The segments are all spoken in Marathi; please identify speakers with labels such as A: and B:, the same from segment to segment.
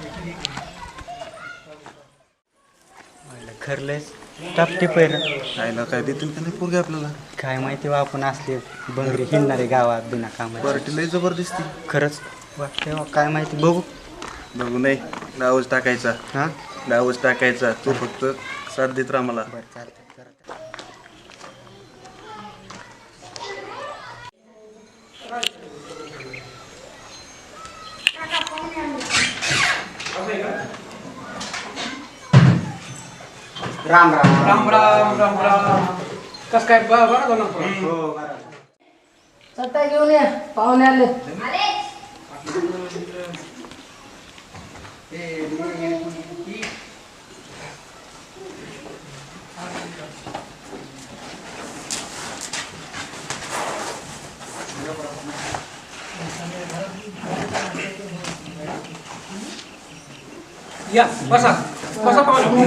A: खरलेच टापटी पैर
B: आईला काय देतील का नाही पोरगे आपल्याला.
A: काय माहिती बा आपण असले बंगरी हिंडणारे गावात बिना कामाची.
B: पार्टी लय जबरदस्ती.
A: खरंच वाटते बा, काय माहिती बघू.
B: बघू नाही डावच टाकायचा.
A: हां
B: डावच टाकायचा. तू फक्त साथ देत राहा मला.
A: बरं चालतं. राम राम
C: राम राम राम राम. कस काय बरं झालं
A: हो बरं.
C: सत्ता घेऊन या पाहुणे आले. या बसा बसा पाहुणे.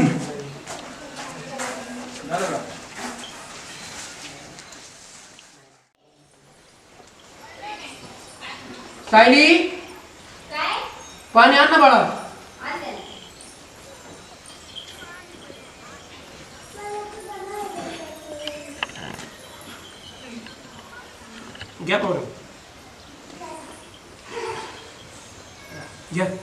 C: सायली पाणी आण ना बाळा. घ्या पाहुणे घ्या.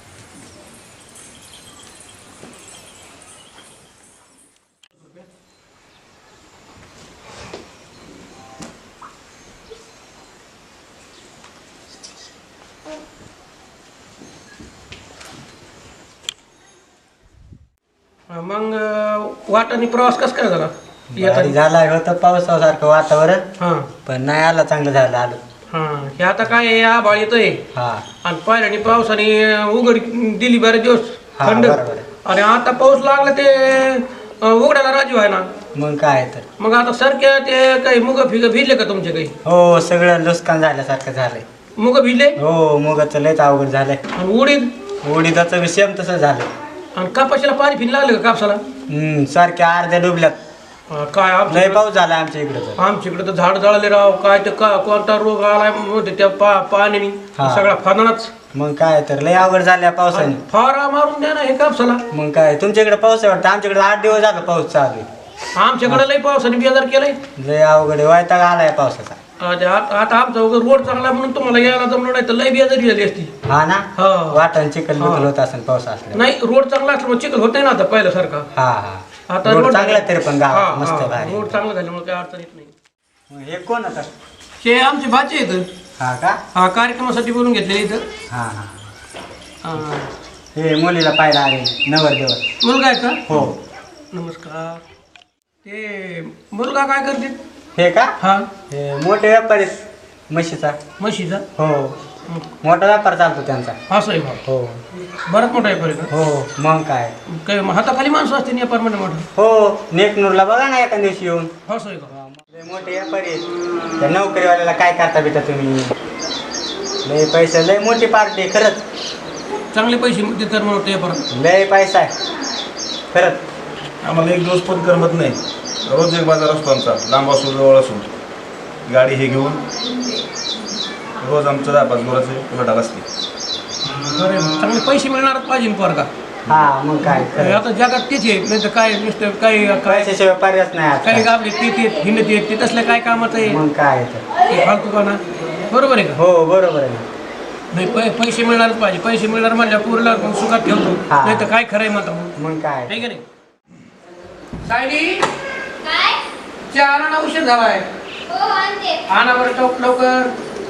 C: मग वाटाने प्रवास कस काय झाला?
A: भारी झाला होतं पावसासारखं वातावरण,
C: हा
A: पण नाही आला चांगलं झालं आलो.
C: हा हे आता काय आहे, आभाळ येतोय
A: हा
C: आणि पाण्याने पावसाने उघड दिली बरेच दिवस
A: हा
C: थंड.
A: बरोबर आहे.
C: आणि आता पाऊस लागला ते उघडायला राजीव आहे ना.
A: मग काय तर.
C: मग आता सारख्या ते काही मुग फिग भिजले का तुमचे काही?
A: हो सगळं नुकसान झाल्यासारखं झालंय.
C: मुग भिजले
A: हो मुगाचं लयच अवघड झालंय.
C: आणि उडीद
A: उडीदाचं बी सेम तसं झालं.
C: आणि कापाशीला पाणी फिन लागलं का कापसाला?
A: सारख्या अर्ध्या डुबल्यात.
C: काय
A: लय पाऊस झाला आमच्या इकडं तर.
C: आमच्याकडे तर झाड जळाले राव. काय ते कोणता रोग आलाय म्हणते त्या पाण्याने
A: हा.
C: सगळा फानाच.
A: मग काय तर लय अवघड झाल्या पावसाने.
C: फारा मारून द्या ना हे कापसाला.
A: मग काय तुमच्या इकडे पाऊस आहे वाटतं, आमच्याकडे 8 दिवस झाला पाऊस चालू आहे.
C: आमच्याकडे लय पावसाने बेजार केलंय.
A: लय अवघड आहे, वैताग आलाय पावसाचा.
C: आता आमचा वगैरे रोड चांगला आहे म्हणून तुम्हाला यायला जमलं, नाही तर लय बेजारी झाली असती.
A: हा ना
C: हा.
A: वाटण चिखल बिखल होत असेल पाऊस असल्या.
C: नाही रोड चांगला असल्यामुळे चिखल होत नाही ना आता पहिल्यासारखा.
A: हा हा
C: आता
A: रोड
C: रोड
A: चांगला आहे तरी पण गावात
C: हा,
A: मस्त
C: हा.
A: भारी.
C: रोड चांगला झाल्यामुळे काय अडचण येत नाही.
A: मग हे कोण आता?
C: हे आमचे भाचे आहेत.
A: हा का?
C: हा कार्यक्रमासाठी बोलून घेतलेले इथं.
A: हा हा
C: हा.
A: हे मुलीला पाहायला आले नवरदेवर.
C: मुलगा आहे का?
A: हो.
C: नमस्कार. ते मुलगा काय करते?
A: हे का?
C: हा
A: हे मोठे व्यापारी आहेत, म्हशीचा.
C: म्हशीचा.
A: हो मोठा व्यापार चालतो त्यांचा.
C: असं आहे भाऊ.
A: हो
C: बराच मोठा आहे पर्यंत.
A: हो मग काय.
C: काय हाताखाली माणसं असते या परमाने मोठं.
A: हो नेकनूरला बघा ना एका दिवशी येऊन.
C: असं आहे का?
A: लय मोठे व्यापारी आहेत. त्या नोकरीवाल्याला काय करता बेटा तुम्ही? लय पैसे, लय मोठी पार्टी खरंच.
C: चांगले पैसे देतात म्हणून ते परत.
A: लय पैसा आहे खरंच.
B: आम्हाला एक दिवस पण करमत नाही. रोज एक बाजार असतो आमचा, लांब असो जवळ असो. गाडी हे घेऊन रोज आमचं 10-5 गुराचे उलाढाल असते.
C: बरं, चांगले पैसे मिळणारच पाहिजे ना पोरगा.
A: हा मग काय खरं.
C: आता जगात तेच आहे. नाही तर काय नुसतं काही काय
A: पैशाशिवाय पर्यायच नाही
C: काही
A: आता.
C: गावले ते हिंडत येत ते तसलं काय कामाचं आहे
A: मग काय तर.
C: ते फालतू का ना. बरोबर आहे का?
A: हो बरोबर आहे ना.
C: नाही पैसे मिळणारच पाहिजे. पैसे मिळणार म्हणल्या पूरला सुखात ठेवतो.
A: हा.
C: नाही तर काय खरंय म्हणता
A: मग काय.
C: आहे का नाही? सायली चहा आणा, उशीर झालाय. आणा बरं टोप लवकर.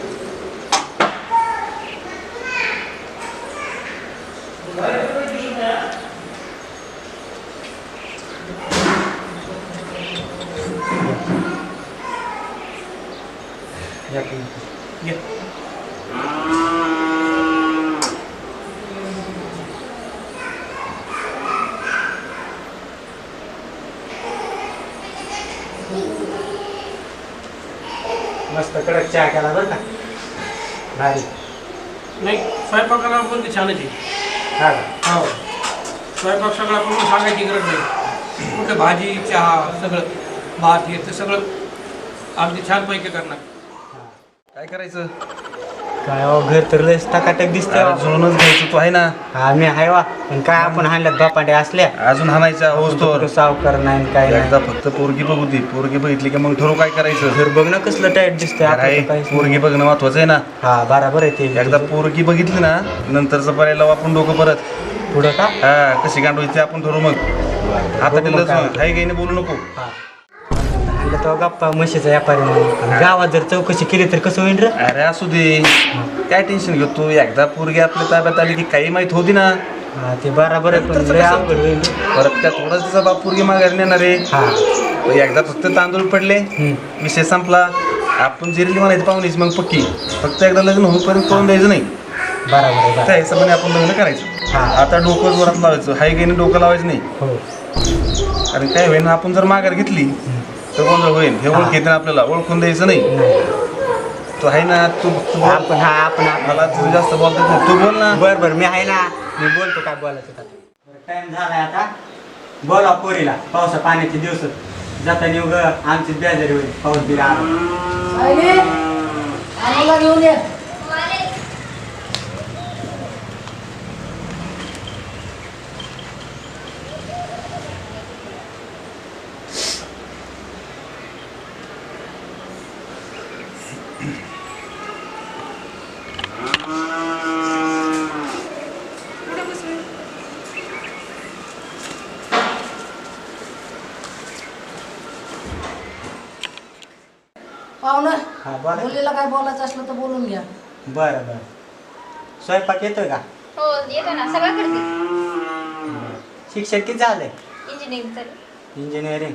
C: घे.
A: मस्त कडक चहा केला बरं का. भारी.
C: नाही स्वयंपाकाला पण ते छानच आहे.
A: हा का?
C: हो स्वयंपाक सगळं आपण सांगायची गरज नाही. कुठे भाजी चहा सगळं भात हे ते सगळं अगदी छानपैकी करणार.
B: काय करायचं?
A: काय हो, घर तर लयच टकाटक दिसतंय
B: अरे जुळूनच घ्यायचं तू आहे ना.
A: हा मी हाय वा पण काय आपण हाणल्यात बापांडे असल्या
B: अजून हाणायच्या होस तोवर.
A: सावकार नाही काय
B: एकदा
A: नाही
B: फक्त पोरगी बघू दे. पोरगी बघितली की मग ठरवू काय करायचं.
A: घर बघ ना कसलं टाईट दिसतंय
B: अरे
A: आपलं तर काहीच नाही.
B: पोरगी बघणं महत्वाचं आहे ना.
A: हा बराबर आहे ते
B: एकदा पोरगी बघितली ना नंतरचं पर्यायला आपण डोकं परत.
A: पुढं का
B: हा कशी गांडवायची आपण ठरवू मग. आता
A: बघू मग
B: दिलंच
A: काय.
B: मग काही काही बोलू नको.
A: हा हाणलं तो गप्पा म्हशीचा व्यापारी म्हणून आणि गावात जर चौकशी केली तर कसं होईल रे
B: अरे असू दे काय टेन्शन घेतो तू. एकदा पोरगी आपल्या ताब्यात आली की काही माहित होती ना.
A: हा ते बराबर आहे पण
B: नंतरचं
A: लय
B: कसं?
A: अवघड होईल
B: परत त्या थोडाच तिचा बाप पोरगी माघारी नेणार आहे.
A: हा
B: एकदा फक्त तांदूळ पडले विषय संपला. आपण जिरली म्हणायची पाहुणीच मग पक्की. फक्त एकदा लग्न होईपर्यंत कळून द्यायचं नाही.
A: बराबर आहे
B: त्या
A: बराबर.
B: हिशोबाने आपण लग्न करायचं.
A: हा.
B: आता डोकं जोरात लावायचं. हाय गेने डोकं लावायचं नाही.
A: हो
B: कारण काय होईल ना आपण जर माघार घेतली तर गोंधळ होईल. हे ओळख येते आपल्याला ओळखून द्यायचं नाही. तो आहे ना तू तू बोल.
A: आपण
B: मला तू जास्त बोलतात नाही. तू बोल ना.
A: बर बर मी आहे ना मी बोलतो काय बोलायचं टाइम झालाय आता बोला पोरीला पावसा पाण्याचे दिवस जाता उग आमची बेजारी होईल पाऊस बिरा
C: आम्हाला घेऊन ये. पाहुणं
A: हा बोला
C: मुलीला काय बोलायचं असलं तर बोलून घ्या.
A: बरं बरं स्वयंपाक येतोय का
D: हो येतो ना सगळं करते.
A: शिक्षण किती झालंय
D: इंजिनिअरिंग चालू.
A: इंजिनिअरिंग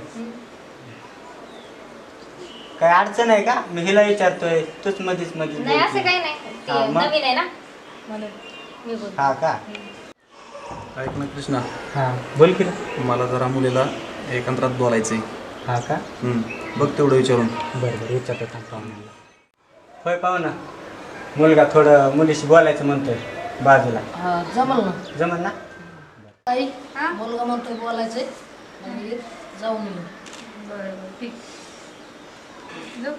A: काय अडचण आहे का मी हिला विचारतोय तूच मधीच मधीच
D: नाही असं
A: बोलते.
D: काही नाही ते
A: हा, मग?
D: नवीन आहे ना म्हणून मी बोलते.
A: हा का
B: ऐक ना कृष्णा.
A: हा बोल की रे.
B: मला जरा मुलीला एकांतरात बोलायचंय.
A: हा का
B: बघ तेवढं विचारून.
A: बरं बरं विचारतो पाहुण्याला होय पाहुणा मुलगा थोडं मुलीशी बोलायचं म्हणतोय बाजूला
C: हा जमल ना.
A: जमल ना
C: ताई
D: हा?
C: मुलगा म्हणतोय बोलायचंय म्हणजे जाऊन येऊ.
D: बरोबर ठीक जाऊ.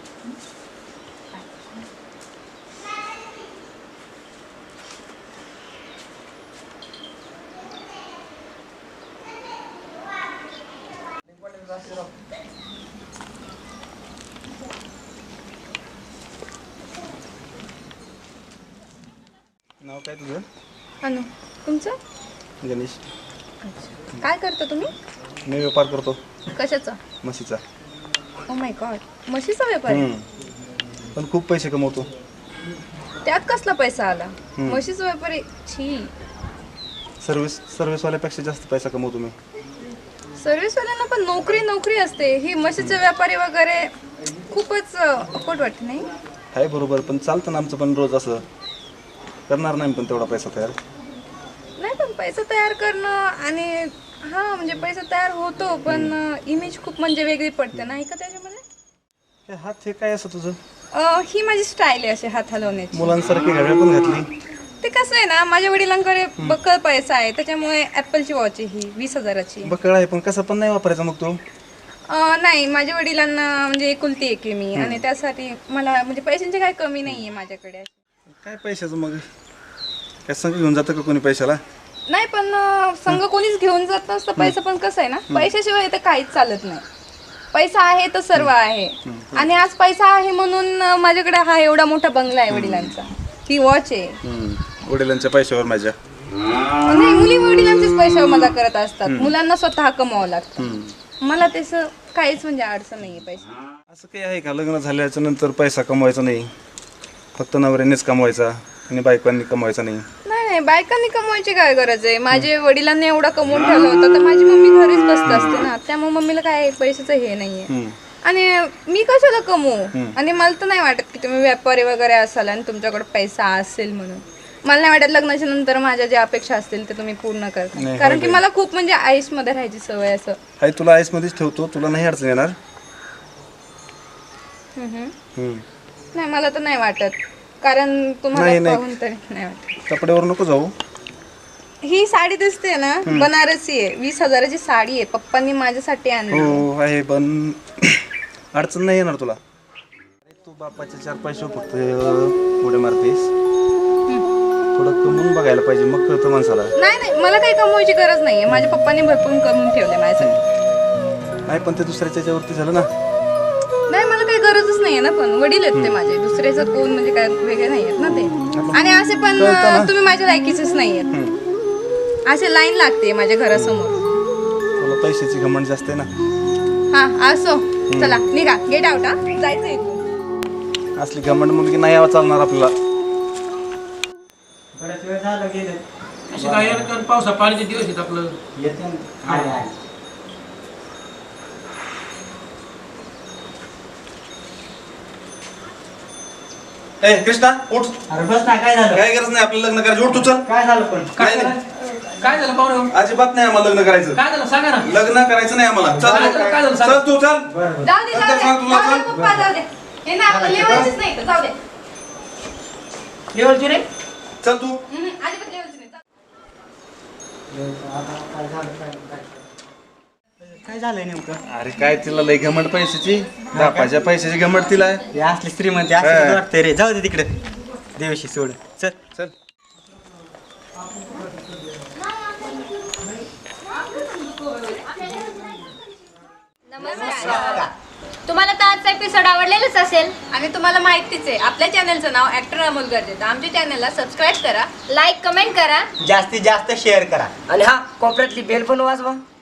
B: नाव काय तुझं.
E: अनु तुमचं
B: गणेश.
E: अच्छा काय करता तुम्ही
B: मी व्यापार करतो
E: कशाचा
B: म्हशीचा.
E: ओ माय गॉड म्हशीचा व्यापार आहे?
B: पण खूप पैसे कमवतो.
E: त्यात कसला पैसा आला
B: हम्म.
E: म्हशीचा व्यापारी छी
B: सर्व्हिसवाल्यापेक्षा जास्त पैसा कमवतो मी.
E: सर्व्हिसवाल्यांना पण नोकरी नोकरी असते ही म्हशीचे व्यापारी वगैरे खूपच अफोर्ड वाटते नाही.
B: आहे बरोबर पण चालतं ना आमचं पण रोज असं करणार नाही पण तेवढा पैसा तयार.
E: नाही पण पैसा तयार करणं आणि हा म्हणजे पैसा तयार होतो पण इमेज खूप म्हणजे वेगळी पडते नाही का त्याच्यामध्ये.
B: हे हात हे काय असं तुझं.
E: ही माझी स्टाईल आहे अशी हात हलवण्याची.
B: मुलांसारखी घड्याळ पण घातली.
E: ते कसं आहे ना माझ्या वडिलांकडे बक्कळ पैसा आहे त्याच्यामुळे ॲपलची वॉच आहे ही 20,000ची.
B: बकळ आहे पण कसं पण नाही वापरायचा मग तू.
E: नाही माझ्या वडिलांना म्हणजे एकुलती एक आहे मी आणि त्यासाठी मला म्हणजे पैशांची काही कमी नाही आहे माझ्याकडे.
B: काय पैशाचं मग काय संग घेऊन जातं का कोणी पैशाला.
E: नाही पण संघ कोणीच घेऊन जात नसतं पैसा पण कसं आहे ना पैशाशिवाय इथं काहीच चालत नाही. पैसा आहे तर सर्व आहे आणि आज पैसा आहे म्हणून माझ्याकडे हा एवढा मोठा बंगला आहे वडिलांचा. ही वॉच आहे.
B: वडिलांच्या पैशावर माझ्या.
E: नाही मुली वडिलांचेच पैशावर मजा करत असतात मुलांना स्वतः कमावं लागतं. मला तसं काहीच म्हणजे अडचण नाहीये पैसा.
B: असं काही आहे का लग्न झाल्याच्या नंतर पैसा कमवायचा नाही फक्त नवऱ्यानेच कमवायचा आणि बायकांनी कमवायचा नाही.
E: नाही नाही बायकांनी कमवायची काय गरज आहे. माझे वडिलांनी एवढं कमवून ठेवलं होतं तर माझी मम्मी घरीच बसत असते ना त्यामुळे मम्मीला काय पैशाचं हे नाहीये. आणि मी कशाला कमवू आणि मला तर नाही वाटत की तुम्ही व्यापारी वगैरे असाल आणि तुमच्याकडे पैसा असेल म्हणून. मला नाही वाटत लग्नाच्या नंतर माझ्या ज्या अपेक्षा असतील ते तुम्ही पूर्ण करता कारण की मला खूप म्हणजे आईसमध्ये राहायची सवय असं.
B: आहे तुला आईसमध्येच ठेवतो तुला नाही अडचण येणार.
E: नाही मला तर नाही वाटत कारण तुम्हाला पाहून तरी नाही वाटत.
B: कपड्यावर नको जाऊ.
E: ही साडी दिसते ना बनारसी आहे 20,000ची साडी आहे पप्पांनी माझ्यासाठी आणली.
B: हो आहे पण अडचण नाही येणार तुला. तू बापाचे 4 पैसे फक्त पुढे मारतेस. थोडं कमवून बघायला पाहिजे, मग कळतं माणसाला.
E: नाही मला काही कमवायची गरज नाहीये. माझ्या पप्पाने भरपूर कमवून ठेवले माझ्यासाठी.
B: नाही पण ते दुसऱ्याच्या याच्यावरती झालं ना.
E: नाही मला काही गरजच नाहीये ना, पण वडील आहेत ते माझे. दुसऱ्याचं कोण म्हणजे काय वेगळे नाही आहेत ना ते. आणि असे पण तुम्ही माझ्या लायकीचेच नाही आहेत. असे लाईन लागते माझ्या घरासमोर.
B: तुला पैशाची घमंड जास्त आहे ना.
E: हा असो, चला निघा, गेट आउट. हा जायचं इथून.
B: असली घमंड मुलगी नाही यावं चालणार आपल्याला.
A: बऱ्याच वेळ झालं गेले.
C: असे काय पावसा पाण्याचे दिवस आहेत आपलं.
A: येते ना. आहे.
B: ए कृष्णा उठ.
A: अरे बस ना, काय झालं?
B: काय गरज नाही आपल्याला लग्न करायचं. उठ तू चल.
A: काय झालं पण?
C: काय
B: नाही.
C: झालं? काय झालं पाहुणे?
B: अजिबात नाही आम्हाला लग्न करायचं.
C: काय झालं सांगा ना.
B: लग्न करायचं नाही आम्हाला. चल
C: काय झालं? काय झालं? सांग.
B: चल तू चल.
A: बरं
E: जाऊ दे
B: नंतर सांग तुला,
E: जाऊ दे
B: चल.
E: पप्पा, जाऊ दे. हे ना आपलं लेवायचंच नाही, जाऊ दे.
C: लेवलची रे.
B: चल तू.
E: अजिबात लेवायचं नाही.
A: काय झालंय नेमकं?
B: अरे काय तिला लय घमंड पैशाची. बापाच्या पैशाची घमंड तिला आहे.
A: हे असली श्रीमंती असली
B: हा.
A: वाटते रे. जाऊ दे तिकडे, देवशी सोड. चल
B: चल.
D: नमस्कार. तुम्हाला तर आजचा एपिसोड आवडलेलाच असेल
E: आणि तुम्हाला माहितीच आहे आपल्या चॅनलचं नाव ऍक्टर अमोल गरजेचं. आमच्या चॅनलला सबस्क्राईब करा,
D: लाईक कमेंट करा.
A: जास्तीत जास्त शेअर करा.
F: आणि हा कोपऱ्यातली बेल पण वाजवा.